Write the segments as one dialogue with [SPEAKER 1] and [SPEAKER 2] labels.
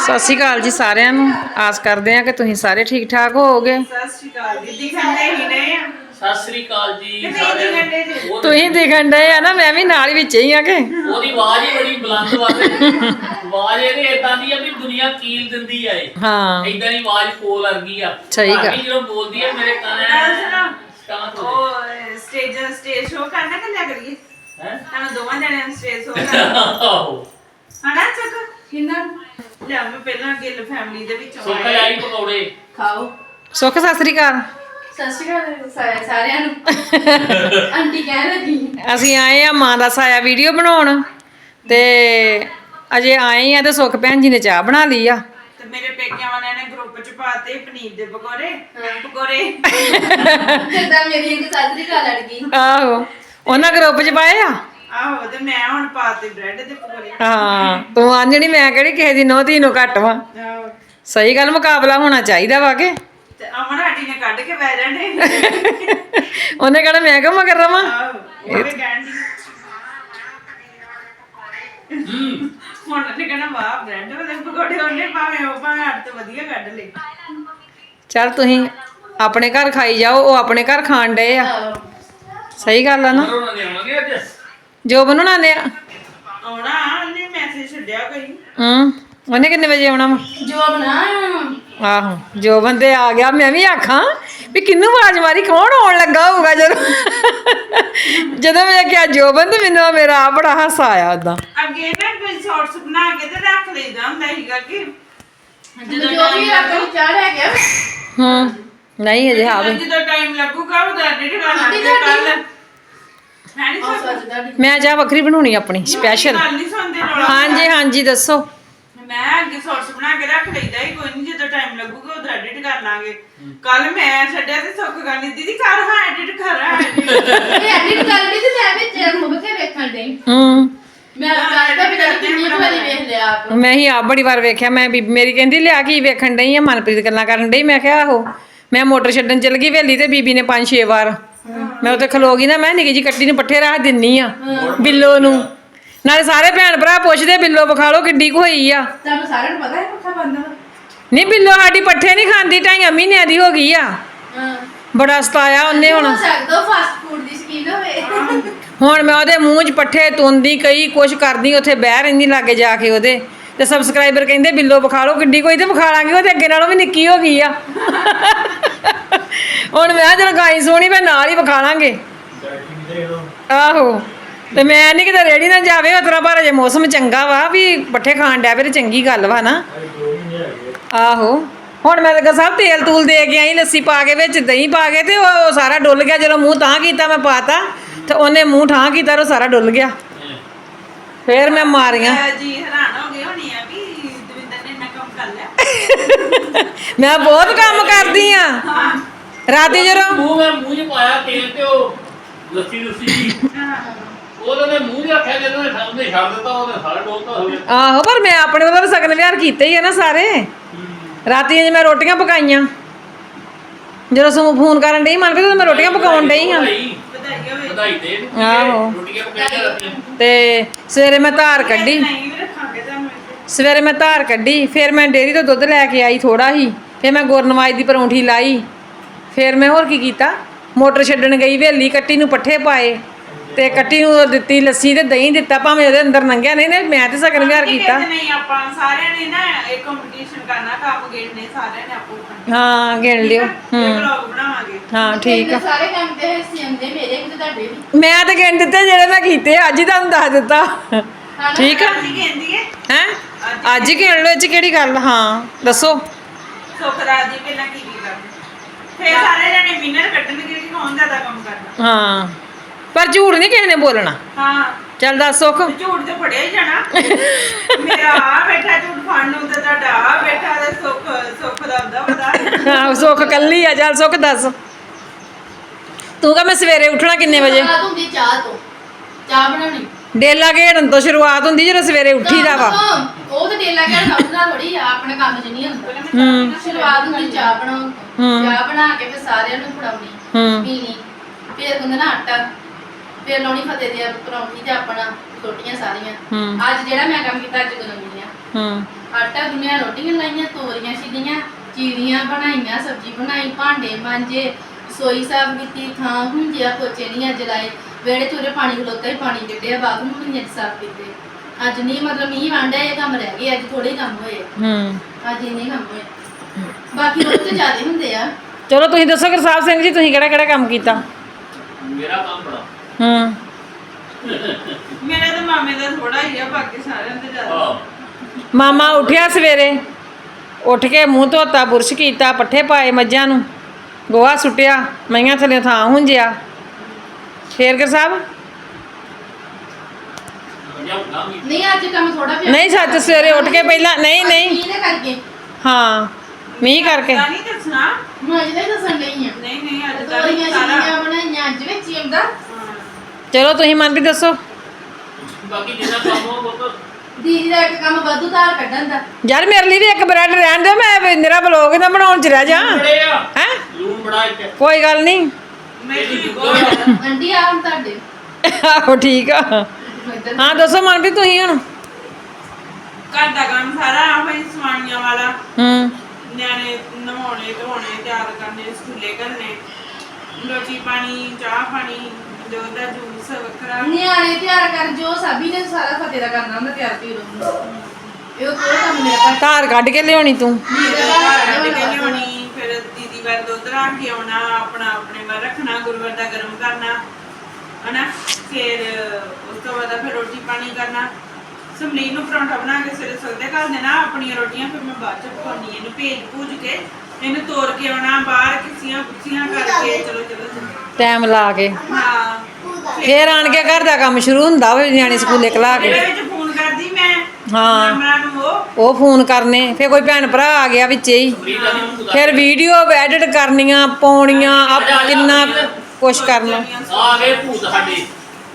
[SPEAKER 1] ਸਤਿ ਸ਼੍ਰੀ ਅਕਾਲ ਜੀ ਸਾਰਿਆਂ ਨੂੰ। ਆਸ ਕਰਦੇ ਆ ਕਿ ਤੁਸੀਂ ਸਾਰੇ ਠੀਕ ਠਾਕ ਹੋਵੋਗੇ।
[SPEAKER 2] ਸਤਿ ਸ਼੍ਰੀ ਅਕਾਲ ਦੀਦੀ ਖੰਡੇ ਹੀ ਨੇ।
[SPEAKER 3] ਸਤਿ ਸ੍ਰੀ ਅਕਾਲ ਜੀ ਸਾਰਿਆਂ ਨੂੰ।
[SPEAKER 1] ਤੁਸੀਂ ਦਿਖਣ ਡਏ ਆ ਨਾ, ਮੈਂ ਵੀ ਨਾਲ ਹੀ ਵਿੱਚ ਹੀ ਆ ਕਿ
[SPEAKER 3] ਉਹਦੀ ਆਵਾਜ਼ ਹੀ ਬੜੀ ਬੁਲੰਦ ਵਾਲੇ ਆਵਾਜ਼ ਇਹਦੀ ਇਦਾਂ ਦੀ ਆ ਵੀ ਦੁਨੀਆ ਕੀਲ ਦਿੰਦੀ ਆ ਇਹ।
[SPEAKER 1] ਹਾਂ
[SPEAKER 3] ਇਦਾਂ ਦੀ ਆਵਾਜ਼ ਕੋਲ ਵਰਗੀ ਆ।
[SPEAKER 1] ਸਹੀ ਗੱਲ।
[SPEAKER 3] ਜਦੋਂ ਬੋਲਦੀ ਆ ਮੇਰੇ ਕੰਨ
[SPEAKER 2] ਉਹ ਸਟੇਜ ਸ਼ੋ ਕਰਨਾ ਕਿ ਲਿਆ ਕਰੀਏ
[SPEAKER 3] ਹੈ
[SPEAKER 2] ਤੁਹਾਨੂੰ ਦੋਵਾਂ ਜਣਿਆਂ ਨੂੰ ਸਟੇਜ ਸ਼ੋ ਕਰਨਾ
[SPEAKER 3] ਆਹੋ
[SPEAKER 2] ਹਨਾ ਚੱਕ ਕਿੰਨਾ ਲਿਆ ਮੈਂ ਪਹਿਲਾਂ ਗਿੱਲ ਫੈਮਿਲੀ ਦੇ ਵਿੱਚੋਂ
[SPEAKER 3] ਸੁੱਕ ਆਈ ਪਕੌੜੇ
[SPEAKER 4] ਖਾਓ।
[SPEAKER 1] ਸੁੱਖ ਸਤਿ ਸ਼੍ਰੀ ਅਕਾਲ।
[SPEAKER 4] ਸਤਿ ਸ਼੍ਰੀ ਅਕਾਲ ਸਾਰਿਆਂ ਨੂੰ। ਆਂਟੀ ਕਹਿ ਰਹੀ
[SPEAKER 1] ਅਸੀਂ ਆਏ ਆ ਮਾਂ ਦਾ ਸਾਇਆ ਵੀਡੀਓ ਬਣਾਉਣ ਤੇ ਅਜੇ ਆਏ ਆ ਤੇ ਸੁੱਖ ਭੈਣ ਜੀ ਨੇ ਚਾਹ ਬਣਾ ਲਈ ਆ
[SPEAKER 2] ਤੇ ਮੇਰੇ ਪੇਕਿਆਂ ਵਾਲਿਆਂ ਨੇ ਗਰੁੱਪ ਚ ਪਾਤੇ ਪਨੀਰ ਦੇ ਪਕੌੜੇ ਪਕੌੜੇ
[SPEAKER 4] ਜਿੱਦਾਂ ਮੇਰੀ ਇੱਕ ਸਤਿ ਸ਼੍ਰੀ ਅਕਾਲ ਲੜ ਗਈ।
[SPEAKER 1] ਆਹੋ ਉਹਨਾਂ ਗਰੁੱਪ 'ਚ ਪਾਏ ਆ।
[SPEAKER 2] ਆਹੋ ਤੇ ਮੈਂ ਹੁਣ ਪਾਤੇ ਬ੍ਰੈਡ ਦੇ ਪਕੌੜੇ
[SPEAKER 1] ਹਾਂ ਤੂੰ ਆਂਜਣੀ, ਮੈਂ ਕਿਹੜੀ ਕਿਸੇ ਦੀ ਨੋਹ ਧੀ ਨੂੰ ਘੱਟ ਵਾ।
[SPEAKER 2] ਆਹੋ
[SPEAKER 1] ਸਹੀ ਗੱਲ, ਮੁਕਾਬਲਾ ਹੋਣਾ ਚਾਹੀਦਾ ਵਾ ਕਿ
[SPEAKER 2] ਤੇ ਅਮਨ ਆਂਟੀ ਨੇ ਕੱਢ ਕੇ ਬਹਿ ਜਾਣੇ।
[SPEAKER 1] ਉਹਨੇ ਕਹਿਣਾ ਮੈਂ ਕਿਉਂ ਮਗਰ ਰਵਾਂ।
[SPEAKER 2] ਆਹੋ ਉਹ ਵੀ ਕਹਿਣ ਦੀ ਹੁਣ ਉਹਨੇ ਕਹਿਣਾ ਵਾਹ ਬ੍ਰੈਡ ਵਾਲੇ ਪਕੌੜੇ ਉਹਨੇ ਭਾਵੇਂ ਉਹ ਭਾਵੇਂ ਅੱਡ ਤੋਂ ਵਧੀਆ ਕੱਢ ਲਏ।
[SPEAKER 1] ਚੱਲ ਤੁਸੀਂ ਆਪਣੇ ਘਰ ਖਾਈ ਜਾਓ, ਉਹ ਆਪਣੇ ਘਰ ਖਾਣ ਡਏ ਆ। ਸਹੀ ਗੱਲ ਆ ਨਾ।
[SPEAKER 3] ਉਹਨਾਂ ਨੇ ਆਉਣਗੇ ਅੱਜ।
[SPEAKER 1] ਜੋ ਬਣਾਉਂਦੇ ਆ
[SPEAKER 2] ਆਉਣਾ ਉਹਨੇ ਮੈਸੇਜ ਛੱਡਿਆ ਕੋਈ।
[SPEAKER 1] ਉਹਨੇ ਕਿੰਨੇ ਵਜੇ ਆਉਣਾ ਵਾ?
[SPEAKER 4] ਜੋ ਬਣਾ
[SPEAKER 1] ਆਹੋ ਜੋ ਬੰਦੇ ਆ ਗਿਆ। ਮੈਂ ਵੀ ਆਖਾਂ ਵੀ ਕਿੰਨੂੰ ਆਵਾਜ਼ ਮਾਰੀ, ਕੌਣ ਆਉਣ ਲੱਗਾ ਹੋਊਗਾ ਜਦੋਂ ਵੇਖਿਆ ਜੋ ਬੰਦ, ਮੈਨੂੰ ਮੇਰਾ ਆ ਬੜਾ ਹਾਸਾ ਆਇਆ ਉਦਾਂ।
[SPEAKER 2] ਅੱਗੇ ਨਾ ਕੋਈ ਸ਼ਾਰਟਸ ਬਣਾ ਕੇ ਤੇ ਰੱਖ ਲਈਦਾ ਹੁੰਦਾ ਸੀਗਾ ਕਿ
[SPEAKER 4] ਜਦੋਂ ਜੋ ਵੀ ਆਪਣੀ ਚਾਹ ਲੈ ਗਿਆ।
[SPEAKER 1] ਨਹੀਂ ਅਜੇ ਹਾਂ ਵੀ
[SPEAKER 2] ਜਦੋਂ ਟਾਈਮ ਲੱਗੂਗਾ ਉਹਦਾ ਐਡਿਟ ਕਰਨਾ ਕੱਲ ਹੈ ਨਹੀਂ ਸੋਚਦਾ
[SPEAKER 1] ਮੈਂ ਚਾਹ ਵੱਖਰੀ ਬਣਾਉਣੀ ਆਪਣੀ ਸਪੈਸ਼ਲ।
[SPEAKER 2] ਗੱਲ ਨਹੀਂ ਸੁਣਦੇ ਰੌਲਾ।
[SPEAKER 1] ਹਾਂਜੀ ਹਾਂਜੀ ਦੱਸੋ।
[SPEAKER 2] ਮੈਂ ਅੱਗੇ ਸ਼ਾਰਟਸ ਬਣਾ ਕੇ ਰੱਖ ਲਈਦਾ ਹੀ, ਕੋਈ ਨਹੀਂ ਜਦੋਂ ਟਾਈਮ ਲੱਗੂਗਾ ਉਹਦਾ ਐਡਿਟ ਕਰ ਲਾਂਗੇ। ਕੱਲ ਮੈਂ ਛੱਡਿਆ ਤੇ ਸੁੱਖ ਕਰਨੀ ਦੀਦੀ ਕਰ ਹਾਂ ਐਡਿਟ ਕਰ ਹਾਂ
[SPEAKER 4] ਇਹ ਐਡਿਟ ਕਰ ਲਈ ਤੇ ਮੈਂ ਵਿੱਚ ਮੁੱਖ ਕੇ ਵੇਖਣ ਡਈ। ਮੈਂ ਲੱਗਦਾ ਵੀ ਕਿੰਨੀ ਵਾਰੀ ਵੇਖ ਲਿਆ ਆਪ।
[SPEAKER 1] ਮੈਂ ਹੀ ਆਪ ਬੜੀ ਵਾਰ ਵੇਖਿਆ। ਮੈਂ ਬੀਬੀ ਮੇਰੀ ਕਹਿੰਦੀ ਲਿਆ ਕੀ ਵੇਖਣ ਡਈ ਆ, ਮਨਪ੍ਰੀਤ ਗੱਲਾਂ ਕਰਨ ਡਈ। ਮੈਂ ਕਿਹਾ ਆਹੋ। ਮੈਂ ਮੋਟਰ ਛੱਡਣ ਚਲ ਗਈ ਵੇਲੀ ਤੇ ਬੀਬੀ ਨੇ 5-6 ਵਾਰ ਮੈਂ ਉੱਥੇ ਖਲੋ ਗਈ ਨਾ, ਮੈਂ ਨਿੱਕੀ ਜੀ ਕੱਟੀ ਨੂੰ ਪੱਠੇ ਰੱਖ ਦਿੰਨੀ ਆ ਬਿੱਲੋ ਨੂੰ। ਨਾਲੇ ਸਾਰੇ ਭੈਣ ਭਰਾ ਪੁੱਛਦੇ ਬਿੱਲੋ ਵਿਖਾ ਲਓ ਕਿੱਡੀ ਕੁ ਹੋਈ ਆ।
[SPEAKER 4] ਤੁਹਾਨੂੰ ਸਾਰਿਆਂ ਨੂੰ ਪਤਾ ਹੈ ਪੱਖਾ ਬੰਦ ਵਾ।
[SPEAKER 1] ਨਹੀਂ ਬਿੱਲੋ ਸਾਡੀ ਪੱਠੇ ਨਹੀਂ ਖਾਂਦੀ, 2.5 ਮਹੀਨਿਆਂ ਦੀ ਹੋ ਗਈ ਆ। ਬੜਾ ਸਤਾਇਆ ਉਹਨੇ ਹੁਣ।
[SPEAKER 4] ਹੋ ਸਕਦਾ ਫਾਸਟ ਫੂਡ ਦੀ ਸ਼ਕੀਨ ਹੋਵੇ।
[SPEAKER 1] ਹੁਣ ਮੈਂ ਉਹਦੇ ਮੂੰਹ 'ਚ ਪੱਠੇ ਤੁੰਦੀ ਕਈ ਕੁਛ ਕਰਦੀ, ਉੱਥੇ ਬਹਿ ਰਹਿੰਦੀ ਲਾਗੇ ਜਾ ਕੇ ਉਹਦੇ। ਤੇ ਸਬਸਕ੍ਰਾਈਬਰ ਕਹਿੰਦੇ ਬਿੱਲੋ ਵਿਖਾ ਲਓ ਕਿੱਡੀ ਕੋਈ, ਤੇ ਵਿਖਾ ਲਾਂਗੇ। ਉਹਦੇ ਅੱਗੇ ਨਾਲੋਂ ਵੀ ਨਿੱਕੀ ਹੋ ਗਈ ਆ। ਹੁਣ ਮੈਂ ਜਦੋਂ ਗਾਈ ਸੋਹਣੀ ਮੈਂ ਨਾਲ ਹੀ ਵਿਖਾ ਲਾਂਗੇ। ਆਹੋ ਤੇ ਮੈਂ ਨਹੀਂ ਕਿਤੇ ਰੇੜੀ ਨਾ ਜਾਵੇ ਉਤਰਾ, ਪਰ ਅਜੇ ਮੌਸਮ ਚੰਗਾ ਵਾ ਵੀ ਪੱਠੇ ਖਾਣ ਡਿਆ ਫਿਰ ਚੰਗੀ ਗੱਲ ਵਾ ਨਾ। ਆਹੋ ਹੁਣ ਮੈਂ ਤਾਂ ਸਭ ਤੇਲ ਤੂਲ ਦੇ ਕੇ ਆਈ, ਲੱਸੀ ਪਾ ਕੇ ਵਿੱਚ ਦਹੀਂ ਪਾ ਕੇ, ਤੇ ਉਹ ਸਾਰਾ ਡੁੱਲ ਗਿਆ। ਜਦੋਂ ਮੂੰਹ ਤਾਂ ਕੀਤਾ ਮੈਂ ਪਾਤਾ ਤੇ ਉਹਨੇ ਮੂੰਹ ਠਾਂ ਕੀਤਾ, ਉਹ ਸਾਰਾ ਡੁੱਲ ਗਿਆ। ਫਿਰ ਮੈਂ ਮਾਰੀਆਂ।
[SPEAKER 2] ਜੀ ਹੈਰਾਨ ਹੋ ਗਏ ਹੋਣੀ ਆ ਵੀ ਦਵਿੰਦਰ ਨੇ ਇੰਨਾ ਕੰਮ ਕਰ ਲਿਆ।
[SPEAKER 1] ਮੈਂ ਬਹੁਤ ਕੰਮ ਕਰਦੀ ਆ। ਰਾਤੀ ਜਦੋਂ
[SPEAKER 3] ਮੂੰਹ 'ਚ ਪਾਇਆ ਤੇਲ ਤੇ ਉਹ ਲੱਸੀ ਉਹਦੇ ਮੂੰਹ 'ਚ ਰੱਖਿਆ, ਜਦੋਂ ਉਹਨੇ ਛੱਡ ਦਿੱਤਾ ਉਹਨੇ ਸਾਰਾ ਡੋਲਤਾ ਹੋਵੇ।
[SPEAKER 1] ਆਹੋ ਪਰ ਮੈਂ ਆਪਣੇ ਵੱਲੋਂ ਸਗਨ ਵਿਹਾਰ ਕੀਤੇ ਹੀ ਆ ਨਾ ਸਾਰੇ। ਰਾਤੀ ਜੇ ਮੈਂ ਰੋਟੀਆਂ ਪਕਾਈਆਂ, ਜਦੋਂ ਸੂ ਫੋਨ ਕਰਨ ਡਈ ਮਨ ਵੀ ਮੈਂ ਰੋਟੀਆਂ ਪਕਾਉਣ ਡਈ ਹਾਂ।
[SPEAKER 2] ਵਧਾਈ ਹੋਵੇ।
[SPEAKER 3] ਵਧਾਈ ਦੇ
[SPEAKER 1] ਆਹੋ
[SPEAKER 3] ਰੋਟੀਆਂ ਪਕਾਈਆਂ ਰਾਤੀਆਂ।
[SPEAKER 1] ਤੇ ਸਵੇਰੇ ਮੈਂ ਧਾਰ ਕੱਢੀ।
[SPEAKER 2] ਨਹੀਂ ਵੀ ਰੱਖਾਂਗੇ ਤੁਹਾਨੂੰ।
[SPEAKER 1] ਸਵੇਰੇ ਮੈਂ ਧਾਰ ਕੱਢੀ, ਫਿਰ ਮੈਂ ਡੇਅਰੀ ਤੋਂ ਦੁੱਧ ਲੈ ਕੇ ਆਈ ਥੋੜਾ ਹੀ। ਫਿਰ ਮੈਂ ਗੁਰਨਵਾਜ ਦੀ ਪਰੌਂਠੀ ਲਾਈ। ਫਿਰ ਮੈਂ ਹੋਰ ਕੀ ਕੀਤਾ, ਮੋਟਰ ਛੱਡਣ ਗਈ ਵੇਲੀ, ਕੱਟੀ ਨੂੰ ਪੱਠੇ ਪਾਏ ਤੇ ਕੱਟੀ ਨੂੰ ਦਿੱਤੀ ਲੱਸੀ ਤੇ ਦਹੀਂ ਦਿੱਤਾ। ਭਾਵੇਂ ਉਹਦੇ ਅੰਦਰ ਲੰਘਿਆ ਨਹੀਂ, ਮੈਂ ਤੇ ਸਗਨ ਵਿਹਾਰ ਕੀਤਾ।
[SPEAKER 2] ਨਹੀਂ ਆਪਾਂ ਸਾਰਿਆਂ ਨੇ ਨਾ ਇਹ ਕੰਪੀਟੀਸ਼ਨ ਕਰਨਾ, ਕੰਮ ਗੇੜਨੇ ਸਾਰਿਆਂ ਨੇ ਆਪੋ ਆਪਣੇ।
[SPEAKER 1] ਹਾਂ ਗਿਣ ਲਿਓ।
[SPEAKER 2] ਵਲੌਗ ਬਣਾਵਾਂਗੇ।
[SPEAKER 1] ਹਾਂ ਠੀਕ ਆ।
[SPEAKER 4] ਸਾਰੇ ਕੰਮ ਤੇ ਹਿੱਸੇ ਆਉਂਦੇ ਮੇਰੇ ਵੀ ਤੇ ਤੁਹਾਡੇ ਵੀ।
[SPEAKER 1] ਮੈਂ ਤਾਂ ਗਿਣ ਦਿੱਤੇ ਜਿਹੜੇ ਮੈਂ ਕੀਤੇ, ਅੱਜ ਹੀ ਤੁਹਾਨੂੰ ਦੱਸ ਦਿੱਤਾ। ਠੀਕ ਆ
[SPEAKER 2] ਕੀ ਕਹਿੰਦੀ ਹੈ
[SPEAKER 1] ਹੈ ਅੱਜ ਹੀ ਗਿਣ ਲਓ, ਇਹ 'ਚ ਕਿਹੜੀ ਗੱਲ। ਹਾਂ ਦੱਸੋ।
[SPEAKER 2] ਸੁਖਰਾਜ ਜੀ ਪਹਿਲਾਂ ਕੀ ਕਰਦੇ, ਫਿਰ ਸਾਰੇ ਜਣੇ ਵਿਨਰ ਕੱਢਣਗੇ ਕਿ ਕੌਣ ਜ਼ਿਆਦਾ ਕੰਮ ਕਰਦਾ।
[SPEAKER 1] ਹਾਂ ਪਰ ਝੂਠ ਨਹੀਂ ਕਿਸੇ ਨੇ ਬੋਲਣਾ।
[SPEAKER 2] ਹਾਂ
[SPEAKER 1] ਚੱਲ ਦੱਸ ਸੁੱਖ।
[SPEAKER 2] ਝੂਠ ਤੇ ਫੜਿਆ ਹੀ ਜਾਣਾ। ਮੇਰਾ ਆ ਬੈਠਾ ਝੂਠ ਫੜਨ ਨੂੰ ਤੇ ਤੁਹਾਡਾ ਆ ਬੈਠਾ ਤੇ ਸੁੱਖ ਦਾ ਹੁੰਦਾ ਪਤਾ।
[SPEAKER 1] ਹਾਂ ਸੁੱਖ ਕੱਲੀ ਆ। ਚੱਲ ਸੁੱਖ ਦੱਸ ਤੂੰ ਕਹ ਮੈਂ ਸਵੇਰੇ ਉੱਠਣਾ ਕਿੰਨੇ ਵਜੇ?
[SPEAKER 4] ਸ਼ੁਰੂਆਤ ਹੁੰਦੀ ਚਾਹ ਤੋਂ। ਚਾਹ ਬਣਾਉਣੀ
[SPEAKER 1] ਡੇਲਾ ਘੇੜਨ ਤੋਂ ਸ਼ੁਰੂਆਤ ਹੁੰਦੀ ਜਦੋਂ ਸਵੇਰੇ ਉੱਠੀਦਾ ਵਾ।
[SPEAKER 4] ਉਹ ਤੇ ਡੇਲਾ ਕਹਿਣ ਸਮਝਣਾ ਥੋੜੀ ਆ, ਆਪਣੇ ਕੰਮ 'ਚ ਨਹੀਂ ਹੁੰਦਾ। ਸ਼ੁਰੂਆਤ ਹੁੰਦੀ ਚਾਹ ਬਣਾਉਣ ਤੋਂ। ਚਾਹ ਬਣਾ ਕੇ ਫਿਰ ਸਾਰਿਆਂ ਨੂੰ ਫੜਾਉਣੀ ਪੀਣੀ। ਫਿਰ ਗੁੰਨਣਾ ਆਟਾ, ਫਿਰ ਲਾਉਣੀ ਫਤਿਹ ਦੀ ਪਰੌਂਠੀ ਤੇ ਆਪਣਾ ਰੋਟੀਆਂ ਸਾਰੀਆਂ। ਅੱਜ ਜਿਹੜਾ ਮੈਂ ਕੰਮ ਕੀਤਾ ਅੱਜ ਗੁੰਨਣੀ ਆ।
[SPEAKER 1] ਹੂੰ
[SPEAKER 4] ਆਟਾ ਗੁੰਨਿਆ, ਰੋਟੀਆਂ ਲਾਈਆਂ, ਤੋਰੀਆਂ ਛਿੱਲੀਆਂ, ਚੀਰੀਆਂ ਬਣਾਈਆਂ, ਸਬਜ਼ੀ ਬਣਾਈ, ਭਾਂਡੇ ਮਾਂਜੇ, ਰਸੋਈ ਸਾਫ਼ ਕੀਤੀ, ਥਾਂ ਹੁੰਜਿਆ, ਪੋਚੇ ਨਹੀਂ ਅੱਜ ਲਾਏ, ਵਿਹੜੇ ਚੂਰੇ ਪਾਣੀ ਖਲੋਤਾ ਹੀ ਪਾਣੀ ਕੱਢਿਆ, ਬਾਥਰੂਮ ਨਹੀਂ ਅੱਜ ਸਾਫ਼ ਕੀਤੇ। ਅੱਜ ਨਹੀਂ ਮਤਲਬ ਮੀਂਹ ਵਾਂਡਾ ਇਹ ਕੰਮ ਰਹਿ ਗਏ, ਅੱਜ ਥੋੜੇ ਕੰਮ ਹੋਏ,
[SPEAKER 1] ਹੂੰ
[SPEAKER 4] ਅੱਜ ਇੰਨੇ ਕੰਮ ਹੋਏ, ਬਾਕੀ ਰੋਜ਼ ਤੇ ਜ਼ਿਆਦੇ ਹੁੰਦੇ ਆ।
[SPEAKER 1] ਚਲੋ ਤੁਸੀਂ ਦੱਸੋ ਗੁਰਸਾਹਿਬ ਸਿੰਘ ਜੀ, ਤੁਸੀਂ ਕਿਹੜਾ ਕਿਹੜਾ ਕੰਮ ਕੀਤਾ?
[SPEAKER 3] ਮੇਰਾ ਕੰਮ ਬੜਾ
[SPEAKER 1] ਹੂੰ
[SPEAKER 2] ਮੇਰੇ ਤਾਂ ਮਾਮੇ ਦਾ ਥੋੜਾ ਹੀ ਆ, ਬਾਕੀ ਸਾਰਿਆਂ ਦੇ ਜ਼ਿਆਦਾ।
[SPEAKER 3] ਆਹ
[SPEAKER 1] ਮਾਮਾ ਉੱਠਿਆ ਸਵੇਰੇ, ਉੱਠ ਕੇ ਮੂੰਹ ਧੋਤਾ, ਬੁਰਸ਼ ਕੀਤਾ, ਪੱਠੇ ਪਾਏ ਮੱਝਾਂ ਨੂੰ, ਗੋਹਾ ਸੁੱਟਿਆ, ਮਈਆਂ ਥੱਲੇ ਥਾਂ ਹੁੰਜਿਆ। ਫੇਰ ਗੁਰਸਾਹਿਬ
[SPEAKER 3] ਵਧੀਆ ਹੁੰਦਾ ਵੀ
[SPEAKER 4] ਨਹੀਂ ਅੱਜ ਕੰਮ ਥੋੜਾ ਪਿਆ।
[SPEAKER 1] ਨਹੀਂ ਸੱਚ, ਸਵੇਰੇ ਉੱਠ ਕੇ ਪਹਿਲਾਂ ਨਹੀਂ ਨਹੀਂ
[SPEAKER 4] ਮੀਂਹ ਦੇ ਕਰਕੇ
[SPEAKER 1] ਹਾਂ ਮੀਂਹ ਕਰਕੇ
[SPEAKER 2] ਤਾਂ ਨਹੀਂ ਦੱਸਣਾ।
[SPEAKER 4] ਮੈਂ ਅੱਜ ਦਾ ਹੀ ਦੱਸਣ ਡਈ ਆ।
[SPEAKER 2] ਨਹੀਂ ਨਹੀਂ ਅੱਜ ਤਾਂ
[SPEAKER 4] ਤੋਰੀਆਂ
[SPEAKER 2] ਸਾਰਾ
[SPEAKER 4] ਛਿੱਲੀਆਂ ਬਣਾਈਆਂ ਅੱਜ ਵਿੱਚ ਹੀ ਆਉਂਦਾ।
[SPEAKER 2] ਹਾਂ।
[SPEAKER 1] ਚਲੋ ਤੁਸੀਂ ਮਨ ਵੀ ਦੱਸੋ।
[SPEAKER 3] ਬਾਕੀ ਜਿੰਨਾ ਕੰਮ ਹੋ ਉਹ
[SPEAKER 4] ਦੀਦੀ ਦਾ ਇੱਕ ਕੰਮ ਵਾਧੂ ਧਾਰ ਕੱਢਣ ਦਾ।
[SPEAKER 1] ਯਾਰ ਮੇਰੇ ਲਈ ਵੀ ਇੱਕ ਬ੍ਰੈਡ ਰਹਿਣ ਦਿਓ, ਮੈਂ ਮੇਰਾ ਬਲੌਗ ਨਾ ਬਣਾਉਣ ਚ ਰਹਿ ਜਾ।
[SPEAKER 3] ਬੜੇ ਆ
[SPEAKER 1] ਹੈ
[SPEAKER 3] ਲੂਣ ਬੜਾ ਇੱਥੇ
[SPEAKER 1] ਕੋਈ ਗੱਲ ਨਹੀਂ।
[SPEAKER 2] ਮੈਨੂੰ ਵੀ ਬਹੁਤ
[SPEAKER 4] ਆਂਟੀ ਆ ਹੁਣ ਤੁਹਾਡੇ
[SPEAKER 1] ਆਹੋ ਠੀਕ ਆ।
[SPEAKER 4] ਇੱਧਰ
[SPEAKER 1] ਹਾਂ ਦੱਸੋ ਮਨ ਵੀ ਤੁਸੀਂ ਹੁਣ।
[SPEAKER 2] ਘਰ ਦਾ ਕੰਮ ਸਾਰਾ ਆਹ ਹੀ ਸਵਾਣੀਆਂ ਵਾਲਾ,
[SPEAKER 1] ਹੂੰ
[SPEAKER 2] ਨਿਆਣੇ ਨਹਾਉਣੇ ਧੋਣੇ, ਤਿਆਰ ਕਰਨੇ, ਸਕੂਲੇ ਘੱਲਣੇ, ਰੋਟੀ ਪਾਣੀ, ਚਾਹ ਪਾਣੀ, ਜੋ ਦਾ ਜੂਸ ਵੱਖਰਾ।
[SPEAKER 4] ਨਿਆਣੇ ਤਿਆਰ ਕਰ, ਜੋ ਸਾਬੀ ਨੇ ਸਾਰਾ ਫਤਿਹ ਦਾ ਕਰਨਾ ਹੁੰਦਾ ਤਿਆਰ ਤੇ ਇਹ ਉਹ ਕੋਈ ਕੰਮ ਮੇਰਾ ਘਰ
[SPEAKER 1] ਧਾਰ ਕੱਢ ਕੇ ਲਿਆਉਣੀ ਤੂੰ।
[SPEAKER 2] ਮੇਰੇ ਘਰ ਕੱਢ ਕੇ ਲਿਆਉਣੀ, ਫਿਰ ਦੀਦੀ ਵਾਰ ਦੁੱਧ ਰੱਖ ਕੇ ਆਉਣਾ, ਆਪਣਾ ਆਪਣੇ ਵਾਰ ਰੱਖਣਾ, ਗੁਰੂਵਾਰ ਦਾ ਗਰਮ ਕਰਨਾ ਹਨਾ। ਫਿਰ ਉਸ ਤੋਂ ਬਾਅਦ ਫਿਰ ਰੋਟੀ ਪਾਣੀ ਕਰਨਾ। ਸਮਲੀਨ ਨੂੰ ਪਰੌਂਠਾ ਬਣਾ ਕੇ ਸਵੇਰੇ ਸਵੇਰੇ ਘਰ ਦੇਣਾ, ਆਪਣੀਆਂ ਰੋਟੀਆਂ ਫਿਰ ਮੈਂ ਬਾਅਦ ਚ ਪਕਾਉਣੀ। ਇਹਨੂੰ ਭੇਜ ਭੂਜ ਕੇ ਇਹਨੂੰ ਤੋੜ ਕੇ ਆਉਣਾ ਬਾਹਰ, ਕਿਸੀਆਂ ਕੁੱਸੀਆਂ ਕਰਕੇ ਚਲੋ ਚਲੋ
[SPEAKER 1] ਟਾਈਮ ਲਾ ਕੇ
[SPEAKER 2] ਹਾਂ।
[SPEAKER 1] ਫੇਰ ਆਣ ਕੇ ਘਰ ਦਾ ਕੰਮ ਸ਼ੁਰੂ ਹੁੰਦਾ ਹੋਵੇ, ਨਿਆਣੇ ਸਕੂਲੇ ਕਲਾ ਕੇ।
[SPEAKER 2] ਇਹਦੇ ਵਿੱਚ ਫੋਨ ਕਰਦੀ ਮੈਂ
[SPEAKER 1] ਹਾਂ।
[SPEAKER 2] ਮੈਮਰਾਂ ਨੂੰ ਉਹ
[SPEAKER 1] ਫੋਨ ਕਰਨੇ, ਫੇਰ ਕੋਈ ਭੈਣ ਭਰਾ ਆ ਗਿਆ ਵਿੱਚੇ ਹੀ,
[SPEAKER 3] ਫਰੀਦਾ ਨਹੀਂ ਹੁੰਦਾ
[SPEAKER 1] ਫਿਰ ਵੀਡੀਓ ਐਡਿਟ ਕਰਨੀਆਂ, ਪਾਉਣੀਆਂ, ਕਿੰਨਾ ਕੁਛ ਕਰਨਾ।
[SPEAKER 3] ਆ ਗਏ ਭੂਤ ਸਾਡੇ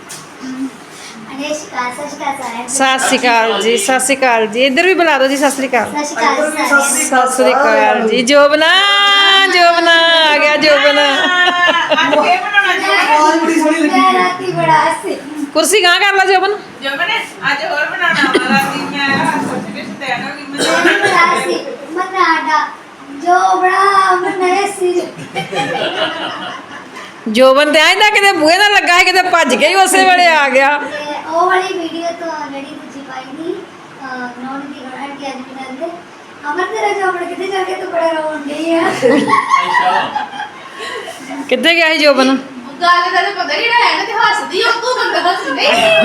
[SPEAKER 1] ਸਤਿ ਸ਼੍ਰੀ ਅਕਾਲ ਜੀ, ਸਤਿ ਸ਼੍ਰੀ ਅਕਾਲ ਜੀ। ਇੱਧਰ ਵੀ ਬੁਲਾ ਦਿਓ ਜੀ। ਸਤਿ ਸ਼੍ਰੀ ਅਕਾਲ, ਸਤਿ ਸ਼੍ਰੀ ਅਕਾਲ ਜੀ। ਜੋਬਨਾ ਜੋਬਨਾ ਆ ਗਿਆ, ਜੋਬਨਾ।
[SPEAKER 2] ਅੱਜ ਇਹ ਬਣਾਉਣਾ
[SPEAKER 1] ਕੁਰਸੀ ਗਾਂ ਕਰ ਲਾ ਜੋਬਨ।
[SPEAKER 2] ਜੋ ਬਣੇ ਅੱਜ ਹੋਰ ਬਣਾਉਣਾ ਵਾਲਾ ਸੀ। ਮੈਂ ਸੋਚ ਕੇ ਤੈਨ ਹੋ ਗਈ
[SPEAKER 1] ਜੋਬਨ ਤੇ ਆਇਂਦਾ ਕਿਤੇ ਬੂਹੇ ਨਾਲ ਲੱਗਾ ਹੈ, ਕਿਤੇ ਭੱਜ ਕੇ ਹੀ ਉਸੇ ਵੇਲੇ ਆ ਗਿਆ।
[SPEAKER 5] ਉਹ ਵਾਲੀ ਵੀਡੀਓ ਤੋਂ ਜਿਹੜੀ ਦੂਜੀ ਪਾਈ ਦੀ ਨੌਨ ਦੀ ਗੜਨ ਕੇ ਅੱਜ ਬਿਨਾਂ ਦੇ ਅਮਰ ਤੇਰਾ ਜੋਬਨ ਕਿੱਥੇ ਜਾ ਕੇ ਤੂੰ ਬੜਾ ਰੋਣ ਡਈ ਆ।
[SPEAKER 3] ਅੱਛਾ
[SPEAKER 1] ਕਿੱਥੇ ਗਿਆ ਸੀ ਜੋਬਨ?
[SPEAKER 4] ਗੱਲ ਦਾ ਤਾਂ ਪਤਾ ਨਹੀਂ ਹੈ ਨਾ, ਤੇ ਹੱਸਦੀ ਆ ਤੂੰ ਬੰਦਾ ਹੱਸਦੇ।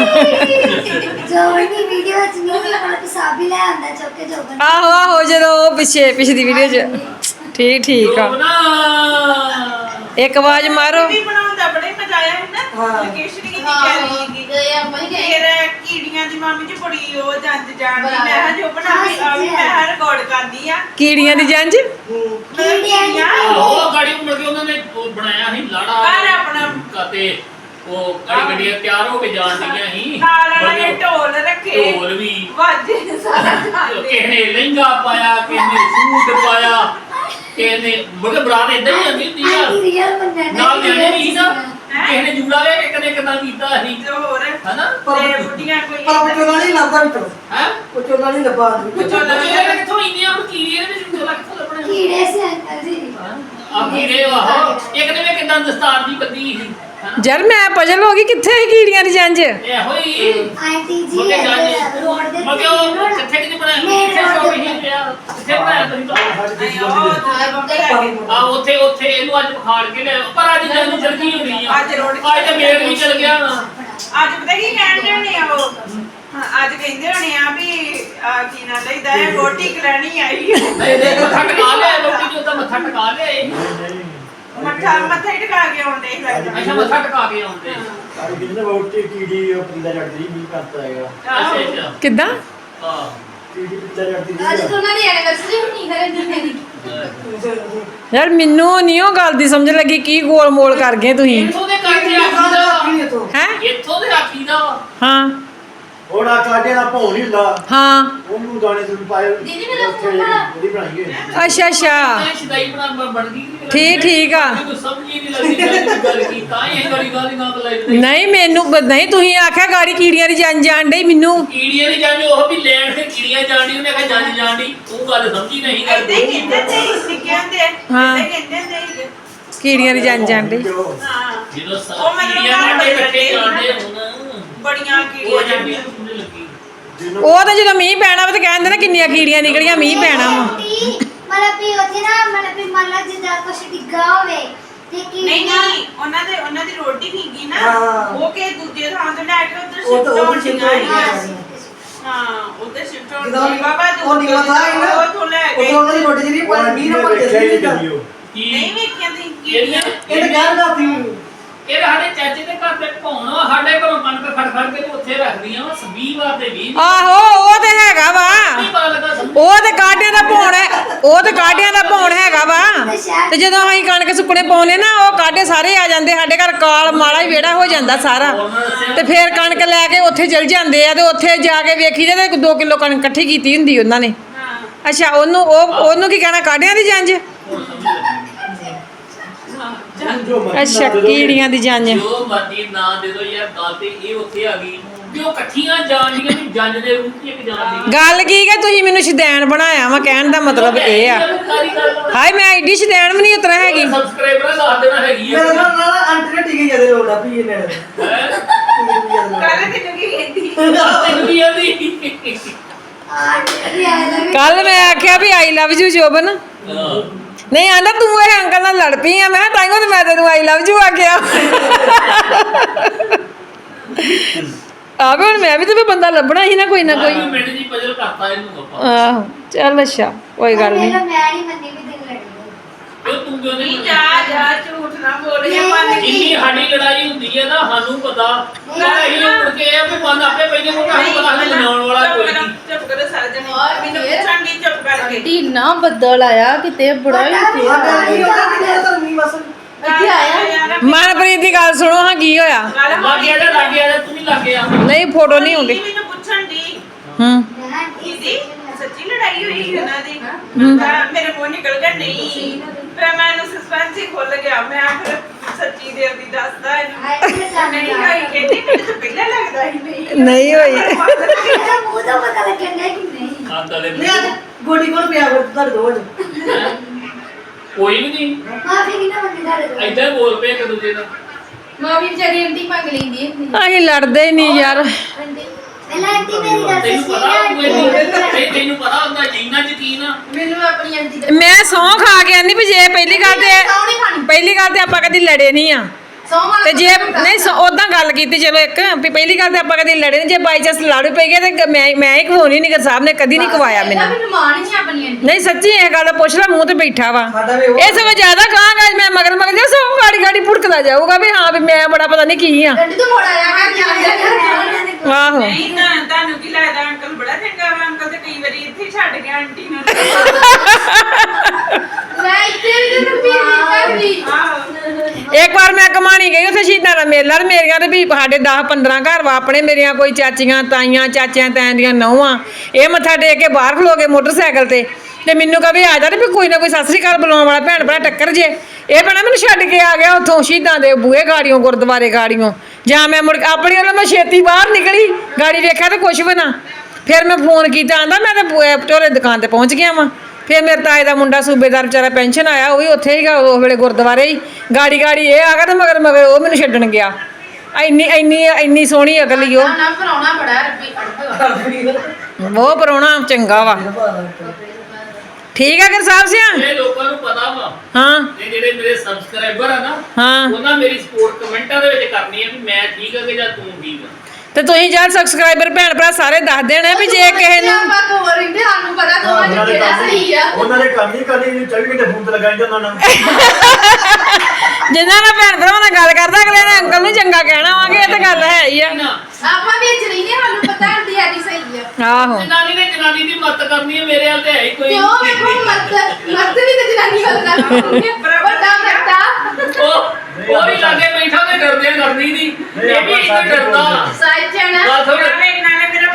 [SPEAKER 5] ਜੋਬਨ ਦੀ ਵੀਡੀਓ ਵਿੱਚ ਨਹੀਂ ਮਤਲਬ ਪਿਸਾਬ ਵੀ ਲੈ ਆਂਦਾ ਚੁੱਕ ਕੇ ਜੋਬਨ।
[SPEAKER 1] ਆਹੋ ਆਹੋ, ਜਦੋਂ ਉਹ ਪਿਛਲੀ ਵੀਡੀਓ 'ਚ। ਠੀਕ ਆ। ਇੱਕ ਆਵਾਜ਼ ਮਾਰੋ।
[SPEAKER 2] ਵੀ ਬਣਾਉਂਦਾ ਬੜੇ ਮਜ਼ਾ ਆਇਆ ਹੈ ਨਾ। ਲੋਕੇਸ਼ਨ ਕਿੰਨੀ ਪਿਆਰੀ ਹੈਗੀ।
[SPEAKER 4] ਗਏ ਆਪਾਂ ਹੀ ਗਏ।
[SPEAKER 2] ਫਿਰ ਕੀੜੀਆਂ ਦੀ ਮਾਮੀ ਜੀ ਬੜੀ ਉਹ ਜੰਜ ਜਾਣਦੀ। ਮੈਂ ਕਿਹਾ ਜੋ ਬਣਾ ਕੇ ਆ ਵੀ ਮੈਂ ਰਿਕਾਰਡ ਕਰਦੀ ਆ।
[SPEAKER 1] ਕੀੜੀਆਂ ਦੀ ਜੰਜ।
[SPEAKER 2] ਕੀੜੀਆਂ
[SPEAKER 3] ਉਹ ਗਾੜੀ ਮੁੜ ਕੇ ਉਹਨਾਂ ਨੇ ਉਹ ਬਣਾਇਆ ਸੀ ਲਾੜਾ
[SPEAKER 2] ਘਰ ਆਪਣਾ
[SPEAKER 3] ਤੇ ਉਹ ਗਾੜੀ ਗੱਡੀਆਂ ਤਿਆਰ ਹੋ ਕੇ ਜਾਣ ਡੀਆਂ ਸੀ
[SPEAKER 2] ਨਾਲ ਵਾਲਾ ਨੇ ਢੋਲ ਰੱਖੇ,
[SPEAKER 3] ਢੋਲ ਵੀ
[SPEAKER 2] ਵਾਜੇ ਸਾਰਾ ਖਾਂਦੇ।
[SPEAKER 3] ਕਿਸੇ ਨੇ ਲਹਿੰਗਾ ਪਾਇਆ, ਕਿਸੇ ਨੇ ਸੂਟ ਪਾਇਆ, ਕਿਸੇ ਨੇ ਮੁੜ ਕੇ ਬਰਾਤ ਏਦਾਂ ਹੀ ਆਉਂਦੀ ਹੁੰਦੀ ਆ।
[SPEAKER 5] ਆਂਟੀ ਰੀਅਲ ਬੰਦਾ
[SPEAKER 3] ਨਾਲ ਜਾਣੇ ਨਹੀਂ ਨਾ ਕਿਸੇ ਨੇ ਜੂੜਾ ਲੈ ਕੇ ਕਦੇ ਕਿਦਾਂ ਕੀਤਾ ਸੀ
[SPEAKER 2] ਤੇ ਹੋਰ
[SPEAKER 3] ਹਨਾ
[SPEAKER 2] ਤੇ ਬੁੱਢੀਆਂ ਕੋਈ
[SPEAKER 6] ਪਰ ਵਿਚੋਲਾ ਨਹੀਂ ਲੱਭਦਾ ਵਿੱਚੋਂ,
[SPEAKER 3] ਹੈ
[SPEAKER 6] ਵਿਚੋਲਾ ਨਹੀਂ ਲੱਭਾ
[SPEAKER 3] ਵਿਚੋਲਾ ਕਿੱਥੋਂ ਇੰਨੀਆਂ ਹੁਣ ਕੀੜੀਆਂ ਦੇ ਵਿੱਚ ਵਿਚੋਲਾ ਕਿੱਥੋਂ ਲੱਭਣਾ
[SPEAKER 5] ਕੀੜੇ ਸੇ ਅੰਕਲ ਜੀ।
[SPEAKER 3] ਆ ਕੀੜੇ ਆਹੋ ਇੱਕ ਨੇ ਵੇ ਕਿਦਾਂ ਦਸਤਾਰ ਦੀ ਬੱਦੀ ਸੀ ਹਨਾ
[SPEAKER 1] ਯਾਰ ਮੈਂ ਪਜਲ ਹੋ ਗਈ, ਕਿੱਥੇ ਹੈ ਕੀੜੀਆਂ ਦੀ ਜੰਜ?
[SPEAKER 3] ਇਹੋ ਹੀ
[SPEAKER 5] ਆਂਟੀ ਜੀ
[SPEAKER 3] ਮਗੇ
[SPEAKER 5] ਇੱਧਰ ਰੋਡ ਦੇ
[SPEAKER 3] ਮਗੇ ਉਹ ਕਿੱਥੇ ਕਿੱਥੇ ਬਣਾਇਆ ਕਿੱਥੇ ਸ਼ੋਅ ਹੀ ਪਿਆ ਕਿੱਥੇ ਬਣਾਇਆ ਤੁਸੀਂ ਆ ਉੱਥੇ ਉੱਥੇ ਇਹਨੂੰ ਅੱਜ ਪਖਾੜ ਕੇ ਲਿਆ ਪਰ ਅੱਜ ਜਦ ਨੂੰ ਚਲ ਗਈ ਹੋਣੀ ਆ
[SPEAKER 2] ਅੱਜ ਰੋਡ
[SPEAKER 3] ਅੱਜ ਤਾਂ ਮੇਲ ਵੀ ਚਲ ਗਿਆ ਵਾ
[SPEAKER 2] ਅੱਜ ਪਤਾ ਕੀ ਕਹਿੰਦੇ ਹੋਣੇ ਆ ਉਹ? ਹਾਂ, ਅੱਜ ਕਹਿੰਦੇ ਹੋਣੇ ਆ ਵੀ ਕੀ ਨਾ ਲਈਦਾ ਹੈ, ਰੋਟੀ ਖਿਲਾਣੀ ਆਈ ਹੈ।
[SPEAKER 3] ਨਹੀਂ ਨਹੀਂ ਮੱਥਾ ਟਕਾ ਲਿਆ ਲੋਕੀ ਜੋ ਤਾਂ ਮੱਥਾ ਟਕਾ ਲਿਆ ਇਹ
[SPEAKER 2] ਮੱਥਾ ਹੀ ਟਕਾ ਕੇ ਆਉਂਦੇ ਸੀ ਲੱਗਦਾ।
[SPEAKER 3] ਅੱਛਾ ਮੱਥਾ ਟਕਾ ਕੇ ਆਉਂਦੇ
[SPEAKER 7] ਸਾਡੀ ਕਿੰਨੇ ਵੋਟ ਕੀੜੀ ਉਹ ਪਿੰਦਾ ਚੜਦੀ ਮੀਂਹ ਕਰਤਾ ਹੈਗਾ।
[SPEAKER 3] ਅੱਛਾ ਅੱਛਾ
[SPEAKER 1] ਕਿੱਦਾਂ?
[SPEAKER 3] ਹਾਂ
[SPEAKER 7] ਕੀੜੀ ਪਿੰਦਾ ਚੜਦੀ
[SPEAKER 4] ਅੱਜ ਤੋਂ ਉਹਨਾਂ ਦੀ ਐਨੀਵਰਸਰੀ ਹੋਣੀ ਖਰੇ ਮਹੀਨੇ ਦੀ।
[SPEAKER 1] ਯਾਰ ਮੈਨੂੰ ਨਹੀਂ ਉਹ ਗੱਲ ਦੀ ਸਮਝ ਲੱਗੀ, ਕੀ ਗੋਲ ਮੋਲ ਕਰ ਗਏ ਤੁਸੀਂ?
[SPEAKER 3] ਇੱਥੋਂ ਦੇ ਕਰਕੇ ਆਖੀਦਾ
[SPEAKER 6] ਇੱਥੋਂ
[SPEAKER 1] ਹੈ
[SPEAKER 3] ਇੱਥੋਂ ਦੇ ਆਖੀਦਾ
[SPEAKER 1] ਹਾਂ।
[SPEAKER 7] ਹੁਣ ਆ ਕਾਟਿਆਂ ਦਾ ਭੌਂ ਨਹੀਂ ਹੁੰਦਾ
[SPEAKER 1] ਹਾਂ
[SPEAKER 7] ਉਹਨੂੰ ਦਾਣੇ ਤੁਸੀਂ ਪਾਏ
[SPEAKER 4] ਦੀਦੀ ਮੇਰਾ
[SPEAKER 7] ਉੱਥੇ
[SPEAKER 4] ਫੋਨ ਆ।
[SPEAKER 7] ਉਹਦੀ ਬਣਾਈਏ
[SPEAKER 1] ਅੱਛਾ ਅੱਛਾ
[SPEAKER 3] ਮੈਂ ਸ਼ਦਾਈ ਬਣ ਗਈ
[SPEAKER 1] ਠੀਕ ਆ।
[SPEAKER 3] ਮੈਨੂੰ ਸਮਝ ਹੀ ਨਹੀਂ ਲੱਗਦੀ ਗੱਲ ਕੀ ਤਾਂ ਹੀ ਇਹ ਗਾੜੀ ਗਾੜੀ ਨਾ ਬੁਲਾਈ
[SPEAKER 1] ਨਹੀਂ ਮੈਨੂੰ ਨਹੀਂ ਤੁਸੀਂ ਆਖਿਆ ਗਾੜੀ ਕੀੜੀਆਂ ਦੀ ਜਾਣ ਡਈ ਮੈਨੂੰ
[SPEAKER 3] ਕੀੜੀਆਂ ਨਹੀਂ ਜਾਂਦੀ ਉਹ ਵੀ ਲੈਣ ਤੇ ਕੀੜੀਆਂ ਜਾਣੀ ਉਹਨੇ ਕਿਹਾ ਜੰਜ ਜਾਣੀ ਤੂੰ ਗੱਲ ਸਮਝੀ ਨਹੀਂ
[SPEAKER 2] ਏਦਾਂ
[SPEAKER 3] ਕਰਦੀ
[SPEAKER 2] ਹੀ ਕਹਿੰਦੇ ਤੇ ਨਿੱਕਿਆਂ ਦੇ
[SPEAKER 1] ਹਾਂ।
[SPEAKER 2] ਏਦਾਂ ਹੀ ਕਹਿੰਦੇ ਤੇ
[SPEAKER 1] ਕੀੜੀਆਂ ਦੀ ਜਾਣ ਡਈ
[SPEAKER 2] ਹਾਂ
[SPEAKER 3] ਜਦੋਂ
[SPEAKER 2] ਉਹ ਮੈਨੂੰ
[SPEAKER 3] ਕੀੜੀਆਂ
[SPEAKER 2] ਘਰ
[SPEAKER 3] ਨਾਲ
[SPEAKER 2] ਦੇ
[SPEAKER 3] ਇਕੱਠੇ
[SPEAKER 2] ਜਾਂਦੇ
[SPEAKER 3] ਜਾਣਦੇ ਹੁਣ
[SPEAKER 2] ਬੜੀਆਂ
[SPEAKER 3] ਉਹ
[SPEAKER 2] ਕੀੜੀਆਂ
[SPEAKER 3] ਜਾਂਦੀ
[SPEAKER 2] ਜਾਂਦੀਆਂ
[SPEAKER 3] ਸੁਣਨੇ ਲੱਗੀ
[SPEAKER 1] ਉਹ ਤਾਂ ਜਦੋਂ ਮੀਂਹ ਪੈਣਾ ਵਾ ਤੇ ਕਹਿੰਦੇ ਨੇ ਕਿੰਨੀਆਂ ਕੀੜੀਆਂ ਨਿਕਲੀਆਂ ਮੀਂਹ ਪੈਣਾ ਵਾ
[SPEAKER 5] ਮਤਲਬ ਵੀ ਉੱਥੇ ਨਾ ਮਤਲਬ ਵੀ ਮੰਨ ਲਾ ਜਿੱਦਾਂ ਕੁਛ ਡਿੱਗਾ ਹੋਵੇ ਤੇ
[SPEAKER 2] ਨਹੀਂ ਨਹੀਂ ਉਹਨਾਂ ਦੀ ਰੋਟੀ ਸੀਗੀ ਨਾ
[SPEAKER 6] ਹਾਂ।
[SPEAKER 2] ਉਹ ਕਿ ਦੂਜੇ ਥਾਂ ਤੋਂ ਲੈ ਕੇ ਉਧਰ
[SPEAKER 6] ਉਹ ਤਾਂ
[SPEAKER 2] ਸ਼ਿਫਟ
[SPEAKER 6] ਉਹ ਸ਼ਿਫਟ
[SPEAKER 2] ਹੋਣੀ
[SPEAKER 6] ਹੋਣੀ
[SPEAKER 2] ਆ ਹਾਂ ਉਧਰ ਸ਼ਿਫਟ ਹੋਣੀ
[SPEAKER 6] ਜਦੋਂ
[SPEAKER 2] ਬਾਬਾ
[SPEAKER 6] ਉਹ ਨਿਕਲਦਾ ਹੈ ਨਾ
[SPEAKER 2] ਉਹ ਤੋਂ ਲੈ ਕੇ
[SPEAKER 6] ਉਹ ਉਹਨਾਂ ਦੀ ਰੋਟੀ ਜਿਹੜੀ ਪਰ ਮੀਂਹ ਨਾਲ ਭਰ
[SPEAKER 7] ਵੇਖਿਆ ਹੀ
[SPEAKER 6] ਜਾਂਦੀ
[SPEAKER 7] ਨਹੀਂ
[SPEAKER 6] ਹੈ
[SPEAKER 7] ਕਦੀ ਉਹ।
[SPEAKER 3] ਕੀ
[SPEAKER 2] ਨਹੀਂ ਵੇਖਿਆ ਤੁਸੀਂ
[SPEAKER 3] ਕਿਹੜੀਆਂ
[SPEAKER 6] ਇਹ ਤਾਂ ਗੱਲ ਸੀ
[SPEAKER 3] ਇਹ ਸਾਡੇ ਚਾਚੇ ਦੇ ਘਰ ਤੇ ਭੌਣ ਵਾ ਸਾਡੇ ਘਰੋਂ ਕਣਕ ਖੜ ਖੜ ਕੇ ਤੇ ਉੱਥੇ ਰੱਖਦੀਆਂ ਵਾ 20 ਵਾਰ ਤੇ 20
[SPEAKER 1] ਆਹੋ ਉਹ ਤੇ ਹੈਗਾ ਵਾ
[SPEAKER 3] ਨਹੀਂ ਪਤਾ ਲੱਗਾ ਸਮਝ
[SPEAKER 1] ਉਹ ਤੇ ਕਾਟਿਆਂ ਦਾ ਭੌਣ ਹੈ ਉਹ ਤੇ ਕਾਟਿਆਂ ਦਾ ਭੌਣ ਹੈਗਾ ਵਾ ਤੇ ਜਦੋਂ ਅਸੀਂ ਕਣਕ ਸੁੱਕਣੇ ਪਾਉਨੇ ਨਾ ਉਹ ਕਾਟੇ ਸਾਰੇ ਆ ਜਾਂਦੇ ਸਾਡੇ ਘਰ ਕਾਲ ਮਾਲਾ ਹੀ ਵਿਹੜਾ ਹੋ ਜਾਂਦਾ ਸਾਰਾ ਤੇ ਫਿਰ ਕਣਕ ਲੈ ਕੇ ਉੱਥੇ ਚਲ ਜਾਂਦੇ ਆ ਤੇ ਉੱਥੇ ਜਾ ਕੇ ਵੇਖੀ ਜਾਂਦੇ 2 ਕਿਲੋ ਕਣਕ ਇਕੱਠੀ ਕੀਤੀ ਹੁੰਦੀ ਉਹਨਾਂ ਨੇ
[SPEAKER 2] ਹਾਂ
[SPEAKER 1] ਅੱਛਾ ਉਹਨੂੰ ਕੀ ਕਹਿਣਾ ਕਾਟਿਆਂ ਦੀ ਜੰਜ
[SPEAKER 3] ਹੁਣ ਸਮਝ ਲੱਗੀ
[SPEAKER 7] ਜੋ ਮਰਜ਼ੀ
[SPEAKER 1] ਅੱਛਾ
[SPEAKER 7] ਨਾ ਦੇ ਦਿਓ।
[SPEAKER 1] ਕੀੜੀਆਂ ਦੀ ਜੰਜ
[SPEAKER 3] ਜੋ ਮਰਜ਼ੀ ਨਾ ਦੇ ਦੋ ਯਾਰ ਗੱਲ ਤੇ ਇਹ ਉੱਥੇ ਆ ਗਈ ਵੀ ਉਹ ਇਕੱਠੀਆਂ ਜਾਣਦੀਆਂ ਵੀ ਜੰਜ ਦੇ ਰੂਪ ਚ ਇੱਕ ਜਾਣਦੀ
[SPEAKER 1] ਗੱਲ ਕੀ ਕਿ ਤੁਸੀਂ ਮੈਨੂੰ ਸ਼ਦੈਣ ਬਣਾਇਆ ਵਾ ਕਹਿਣ ਦਾ ਮਤਲਬ ਇਹ ਆ ਹਾਏ ਮੈਂ ਐਡੀ ਸ਼ਦੈਣ ਵੀ ਨਹੀਂ ਉਤਰਾ ਹੈਗੀ
[SPEAKER 3] ਸਬਸਕ੍ਰਾਈਬਰ ਦੱਸ ਦੇਣਾ ਹੈਗੀ
[SPEAKER 6] ਮੇਰੇ ਨਾਲ ਨਾ ਅੰਟਰਨੈਟ ਹੀ ਜਿਆਦਾ ਲੋੜ ਆ ਵੀ ਇਹ ਲੈਣ
[SPEAKER 2] ਕੱਲ ਤੈਨੂੰ ਕੀ ਕਹਿੰਦੀ
[SPEAKER 3] ਤੈਨੂੰ ਵੀ ਆਂਦੀ
[SPEAKER 1] ਕੱਲ ਮੈਂ ਆਖਿਆ ਵੀ ਆਈ ਲਵ ਯੂ ਜੋਬਨ ਨਹੀਂ ਆਂਦਾ ਤੂੰ ਇਹ ਅੰਕਲ ਨਾਲ ਲੜ ਪਈ ਆ ਮੈਂ ਕਿਹਾ ਤਾਂਹੀਓ ਤੇ ਮੈਂ ਤੈਨੂੰ ਆਈ ਲਵ ਯੂ ਆਖਿਆ ਆਵੇ ਹੁਣ ਮੈਂ ਵੀ ਤੇ ਵੀ ਬੰਦਾ ਲੱਭਣਾ ਸੀ ਨਾ ਕੋਈ ਨਾ ਕੋਈ
[SPEAKER 3] ਮਿੰਟ ਜੀ ਪਜਲ ਕਰਤਾ ਇਹਨੂੰ ਆਪਾਂ
[SPEAKER 1] ਆਹੋ ਚੱਲ ਅੱਛਾ ਕੋਈ ਗੱਲ ਨਹੀਂ
[SPEAKER 5] ਮੈਂ ਨਹੀਂ ਮੰਨੀ ਵੀ ਦਿਲ ਲੜੀ
[SPEAKER 3] ਇਹ ਤੂੰ ਕਿਉਂ
[SPEAKER 2] ਨਹੀਂ
[SPEAKER 3] ਨਹੀਂ
[SPEAKER 2] ਜਾ ਝੂਠ ਨਾ ਬੋਲ ਜੇ ਮੰਨ ਗਈ
[SPEAKER 3] ਜਿੰਨੀ ਸਾਡੀ ਲੜਾਈ ਹੁੰਦੀ ਹੈ ਨਾ ਸਾਨੂੰ ਪਤਾ ਅਸੀਂ ਮੁੜ ਕੇ ਇਹ ਵੀ ਮਨ ਆਪੇ ਪੈਨੇ ਕੋ ਸਾਨੂੰ ਪਤਾ ਨਹੀਂ ਮਨਾਉਣ ਵਾਲਾ ਕੋਈ ਨਹੀਂ
[SPEAKER 2] ਚੁੱਪ ਕਰੋ ਸਾਰੇ ਜਣੇ ਮੈਨੂੰ ਪੁੱਛਣ ਦੀ ਚੁੱਪ ਕਰਕੇ
[SPEAKER 4] ਆਂਟੀ ਨਾ ਬੱਦਲ ਆਇਆ ਕਿਤੇ ਬੜਾ ਹੀ
[SPEAKER 6] ਆ ਗੱਲ ਨਹੀਂ ਉਹਦਾ ਕਿ ਤਾਂ ਮੀਂਹ ਬਸ
[SPEAKER 4] ਇੱਥੇ ਆਇਆ
[SPEAKER 1] ਮਨਪ੍ਰੀਤ ਦੀ ਗੱਲ ਸੁਣੋ ਹਾਂ ਕੀ ਹੋਇਆ
[SPEAKER 3] ਲੱਗ ਗਿਆ ਤੂੰ ਵੀ ਲੱਗ ਗਿਆ
[SPEAKER 1] ਨਹੀਂ ਫੋਟੋ ਨਹੀਂ ਹੁੰਦੀ
[SPEAKER 2] ਮੈਨੂੰ ਪੁੱਛਣ ਦੀ
[SPEAKER 1] ਹੂੰ
[SPEAKER 2] ਦੀਦੀ ਸੱਚੀ ਲੜਾਈ ਹੋਈ ਸੀ ਉਹਨਾਂ ਦੀ ਮੇਰੇ ਮੂੰਹ ਨਿਕਲ ਗਿਆ ਨਹੀਂ ਫਿਰ ਮੈਨੂੰ ਸਸਪੈਂਸ ਹੀ ਖੁੱਲ ਗਿਆ ਮੈਂ ਫਿਰ ਸੱਚੀ ਦੇਵ ਦੀ ਦੱਸਦਾ ਇਹਨੂੰ ਨਹੀਂ ਹੋਈ ਕਹਿੰਦੀ ਮੈਨੂੰ ਤਾਂ ਪਹਿਲਾਂ ਲੱਗਦਾ ਹੀ
[SPEAKER 1] ਨਹੀਂ ਹੋਈ
[SPEAKER 5] ਇਹਦਾ ਮੂੰਹ ਤੋਂ ਪਤਾ ਲੱਗਣ ਡਿਆ ਕਿ ਨਹੀਂ
[SPEAKER 3] ਖਾਂ ਤਲੇ
[SPEAKER 6] ਨਹੀਂ ਅੱਜ ਗੋਡੀ ਕੋਲ ਪਿਆ ਕਰ ਤੁਹਾਡੇ ਦੋਜ
[SPEAKER 3] ਕੋਈ ਵੀ ਨਹੀਂ
[SPEAKER 5] ਮਾਫੀ ਕਿਨਾ ਮੰਗੀ ਤੁਹਾਡੇ ਤੋਂ
[SPEAKER 3] ਐਦਾਂ ਬੋਲ ਪਏ ਇੱਕ ਦੂਜੇ ਨਾਲ
[SPEAKER 4] ਮਾਂ ਵੀ ਵਿਚਾਰੀ ਆਂਟੀ ਮੰਗ ਲੈਂਦੀ ਹੁੰਦੀ
[SPEAKER 1] ਅਸੀਂ ਲੜਦੇ ਨਹੀਂ ਯਾਰ
[SPEAKER 5] ਪਹਿਲਾਂ ਆਂਟੀ ਮੇਰੀ ਗੱਲ
[SPEAKER 3] ਤੈਨੂੰ
[SPEAKER 5] ਸੁਣੀ
[SPEAKER 3] ਪਤਾ
[SPEAKER 5] ਆਂਟੀ
[SPEAKER 3] ਤੈਨੂੰ ਪਤਾ ਹੁੰਦਾ ਜਿੰਨਾ ਯਕੀਨ ਆ
[SPEAKER 4] ਮੈਨੂੰ ਆਪਣੀ ਆਂਟੀ ਦਾ
[SPEAKER 1] ਮੈਂ ਸਹੁੰ ਖਾ ਕੇ ਆਂਦੀ ਵੀ ਜੇ ਪਹਿਲੀ ਗੱਲ
[SPEAKER 4] ਸਹੁੰ ਨਹੀਂ ਖਾਣੀ।
[SPEAKER 1] ਤੇ ਪਹਿਲੀ ਗੱਲ ਤੇ ਆਪਾਂ ਕਦੀ ਲੜੇ ਨਹੀਂ ਆ
[SPEAKER 4] ਸੌਂ ਵਾਲਾ
[SPEAKER 1] ਤੇ ਜੇ ਨਹੀਂ ਉਦਾਂ ਗੱਲ ਕੀਤੀ ਚਲੋ ਇੱਕ ਵੀ ਪਹਿਲੀ ਗੱਲ ਤੇ ਆਪਾਂ ਕਦੀ ਲੜੇ ਨਹੀਂ ਜੇ ਬਾਈ ਚਾਂਸ ਲੜ ਪਈ ਗਏ ਤੇ ਮੈਂ ਹੀ ਖਵਾਉਣੀ ਨਿਗਰ ਸਾਹਿਬ ਨੇ ਕਦੀ ਨਹੀਂ ਖਵਾਇਆ ਮੈਨੂੰ
[SPEAKER 4] ਮੈਨੂੰ ਮਾਣ ਨਹੀਂ ਆਪਣੀ ਆਂਟੀ
[SPEAKER 1] ਨਹੀਂ ਸੱਚੀ ਇਹ ਗੱਲ ਪੁੱਛ ਲੈ ਮੂੰਹ ਤੇ ਬੈਠਾ ਵਾ
[SPEAKER 6] ਸਾਡਾ ਵੀ ਉਹ
[SPEAKER 1] ਇਹ ਸਭ ਜ਼ਿਆਦਾ ਕਹਾਂਗਾ ਮੈਂ ਮਗਰ ਮਗਰ ਜਾ ਸਭ ਗਾੜੀ ਗਾੜੀ ਭੁੜਕਦਾ ਜਾਊਗਾ ਵੀ ਹਾਂ ਵੀ ਮੈਂ ਬੜਾ ਪਤਾ ਨਹੀਂ ਕੀ ਆ
[SPEAKER 4] ਆਂਟੀ ਤੂੰ ਮੋੜ ਆਇਆ ਕਰ ਜਾਂਦੇ
[SPEAKER 1] ਆਹੋ
[SPEAKER 2] ਨਹੀਂ ਤੁਹਾਨੂੰ ਕੀ ਲੱਗਦਾ ਅੰਕਲ ਬੜਾ ਚੰਗਾ ਵਾ ਅੰਕਲ ਤੇ ਕਈ ਵਾਰੀ ਇੱਥੇ ਹੀ ਛੱਡ ਗਿਆ ਆਂਟੀ ਨੂੰ
[SPEAKER 4] ਮੈਂ ਇੱਥੇ ਵੀ ਤੇ ਪੀਰ ਨਹੀਂ ਕਰਦੀ
[SPEAKER 2] ਆਹੋ
[SPEAKER 1] ਇੱਕ ਵਾਰ ਮੈਂ ਕਮਾਣੀ ਗਈ ਉੱਥੇ ਸ਼ਹੀਦਾਂ ਦਾ ਮੇਲਾ ਤੇ ਮੇਰੀਆਂ ਤੇ ਵੀ ਸਾਡੇ 10-15 ਘਰ ਵਾ ਆਪਣੇ ਮੇਰੀਆਂ ਕੋਈ ਚਾਚੀਆਂ ਤਾਈਆਂ ਚਾਚਿਆਂ ਤੈਨ ਦੀਆਂ ਨੌਵਾਂ ਇਹ ਮੱਥਾ ਟੇਕ ਕੇ ਬਾਹਰ ਖਲੋ ਗਏ ਮੋਟਰਸਾਈਕਲ ਤੇ ਮੈਨੂੰ ਕਹੇ ਆ ਜਾ ਤੇ ਵੀ ਕੋਈ ਨਾ ਕੋਈ ਸਤਿ ਸ੍ਰੀ ਅਕਾਲ ਬੁਲਾਉਣ ਵਾਲਾ ਭੈਣ ਭਰਾ ਟੱਕਰ ਜੇ ਇਹ ਭੈਣਾ ਮੈਨੂੰ ਛੱਡ ਕੇ ਆ ਗਿਆ ਉੱਥੋਂ ਸ਼ਹੀਦਾਂ ਦੇ ਬੂਹੇ ਗਾੜੀਆਂ ਗੁਰਦੁਆਰੇ ਗਾੜੀਆਂ ਜਾਂ ਮੈਂ ਮੁੜ ਆਪਣੀ ਵੱਲੋਂ ਮੈਂ ਛੇਤੀ ਬਾਹਰ ਨਿਕਲੀ ਗਾੜੀ ਵੇਖਿਆ ਤੇ ਕੁਛ ਵੀ ਨਾ ਫਿਰ ਮੈਂ ਫੋਨ ਕੀਤਾ ਆਂਦਾ ਮੈਂ ਤਾਂ ਢੋਲੇ ਦੁਕਾਨ ਤੇ ਪਹੁੰਚ ਗਿਆ ਵਾਂ ਫਿਰ ਮੇਰੇ ਤਾਏ ਦਾ ਮੁੰਡਾ ਸੂਬੇਦਾਰ ਵਿਚਾਰਾ ਪੈਨਸ਼ਨ ਆਇਆ ਉਹ ਵੀ ਉੱਥੇ ਹੀਗਾ ਉਸ ਵੇਲੇ ਗੁਰਦੁਆਰੇ ਹੀ ਗਾੜੀ ਇਹ ਆ ਗਿਆ ਤੇ ਮਗਰ ਮਗਰ ਉਹ ਮੈਨੂੰ ਛੱਡਣ ਗਿਆ ਇੰਨੀ ਸੋਹਣੀ ਅਕਲ ਹੀ ਉਹ
[SPEAKER 4] ਨਾ ਭਰਾਉਣਾ ਬੜਾ ਰੱਬੀ ਅੜਦਾ
[SPEAKER 1] ਉਹ ਪਰਾਉਣਾ ਚੰਗਾ ਵਾ ਠੀਕ ਆ ਗੁਰਸਾਹਿਬ ਸਿਆ
[SPEAKER 3] ਇਹ ਲੋਕਾਂ ਨੂੰ ਪਤਾ ਵਾ
[SPEAKER 1] ਹਾਂ
[SPEAKER 3] ਇਹ ਜਿਹੜੇ ਮੇਰੇ ਸਬਸਕ੍ਰਾਈਬਰ ਆ ਨਾ
[SPEAKER 1] ਹਾਂ
[SPEAKER 3] ਉਹਨਾਂ ਮੇਰੀ ਸਪੋਰਟ ਕਮੈਂਟਾਂ ਦੇ ਵਿੱਚ ਕਰਨੀ ਹੈ ਵੀ ਮੈਂ ਠੀਕ ਆ ਕਿ ਜਾਂ ਤੂੰ ਠੀਕ ਆ
[SPEAKER 1] ਤੇ ਤੁਸੀਂ ਯਾਰ ਸਬਸਕ੍ਰਾਈਬਰ ਭੈਣ ਭਰਾ ਸਾਰੇ ਦੱਸ ਦੇਣਾ ਵੀ ਜੇ ਕਿਸੇ ਨੂੰ
[SPEAKER 4] ਆਪਾਂ ਤੋਂ ਰਹਿੰਦੇ ਸਾਨੂੰ ਪਤਾ ਦੋਵਾਂ ਚ ਕਿਹੜਾ ਸਹੀ ਆ
[SPEAKER 7] ਉਹਨਾਂ ਦੇ ਕੰਮ ਨਹੀਂ ਕਰਨੀ 24 ਘੰਟੇ ਫੋਨ ਤੇ ਲੱਗਾ ਜਾਂਦਾ ਉਹਨਾਂ ਨਾਲ
[SPEAKER 1] ਜਿੰਨਾ ਨਾਲ ਭੈਣ ਭਰਾਵਾਂ ਨਾਲ ਗੱਲ ਕਰਦਾ ਅਗਲੇ ਨੇ ਅੰਕਲ ਨੂੰ ਚੰਗਾ ਕਹਿਣਾ ਵਾਂਗੇ ਇਹ ਤਾਂ ਗੱਲ ਹੈ ਹੀ ਆ
[SPEAKER 3] ਨਾ
[SPEAKER 4] ਆਪਾਂ ਵਿੱਚ ਰਹਿੰਦੇ ਸਾਨੂੰ ਪਤਾ ਹੁੰਦੀ ਆ ਕਿ ਸਹੀ ਆ
[SPEAKER 1] ਆਹੋ
[SPEAKER 3] ਜਨਾਨੀ ਨੇ ਜਨਾਨੀ ਦੀ ਮਦਦ ਕਰਨੀ ਹੈ ਮੇਰੇ ਹਾਲ ਤੇ ਹੈ ਹੀ ਕੋਈ
[SPEAKER 4] ਕਿਉਂ ਵੇਖੋ ਮਰਦ ਵੀ ਤੇ ਜਨਾਨੀ ਗੱਲ ਕਰਦੀ ਵੱਡਾ ਮਰਦਾ
[SPEAKER 3] ਉਹ ਵੀ ਲਾਗੇ ਬੈਠਾ ਤੇ ਡਰਦੇ ਕਰਨੀ ਨਹੀਂ ਇਹ ਵੀ ਇੱਥੇ ਡਰਦਾ
[SPEAKER 4] ਸੱਚ ਹੈ ਨਾ
[SPEAKER 3] ਗੱਲ ਸੁਣ
[SPEAKER 2] ਨਾਲੇ ਮੇਰਾ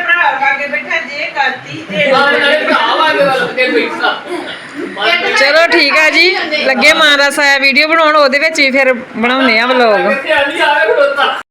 [SPEAKER 2] ਕਰਤੀ
[SPEAKER 3] ਨਾਲ ਨਾਲੇ ਭਰਾ ਵਾ ਕੇ ਗੱਲ ਕੇ ਬੈਠਾ
[SPEAKER 1] ਚਲੋ ਠੀਕ ਆ ਜੀ, ਲੱਗੇ ਮਾਂ ਦਾ ਸਾਇਆ ਵੀਡੀਓ ਬਣਾਉਣ, ਉਹਦੇ ਵਿੱਚ ਹੀ ਫਿਰ ਬਣਾਉਨੇ ਆ ਵਲੋਗ।
[SPEAKER 3] ਕਿੱਥੇ ਆਲੀ ਆਵੇ ਖੜੋਤਾ